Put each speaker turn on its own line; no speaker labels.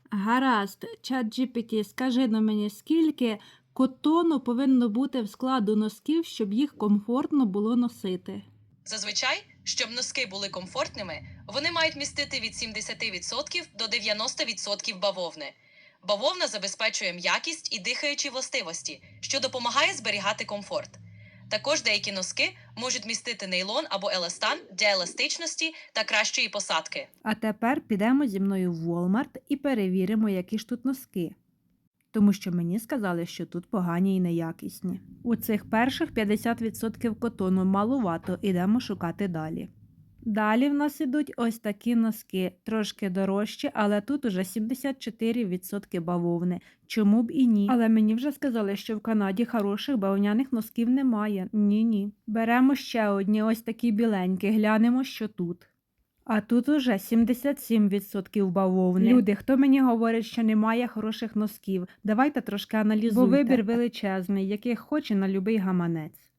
Гаразд, ChatGPT, скажи на мені, скільки котону повинно бути в складу носків, щоб їх комфортно було носити?
Зазвичай, щоб носки були комфортними, вони мають містити від 70% до 90% бавовни. Бавовна забезпечує м'якість і дихаючі властивості, що допомагає зберігати комфорт. Також деякі носки можуть містити нейлон або еластан для еластичності та кращої посадки.
А тепер підемо зі мною в Walmart і перевіримо, які ж тут носки. Тому що мені сказали, що тут погані і неякісні. У цих перших 50% котону малувато, ідемо шукати далі. Далі в нас ідуть ось такі носки, трошки дорожчі, але тут уже 74% бавовни. Чому б і ні? Але мені вже сказали, що в Канаді хороших бавовняних носків немає. Ні-ні. Беремо ще одні ось такі біленькі, глянемо, що тут. А тут уже 77% бавовни. Люди, хто мені говорить, що немає хороших носків, давайте трошки аналізуйте. Бо вибір величезний, яких хоче на любий гаманець.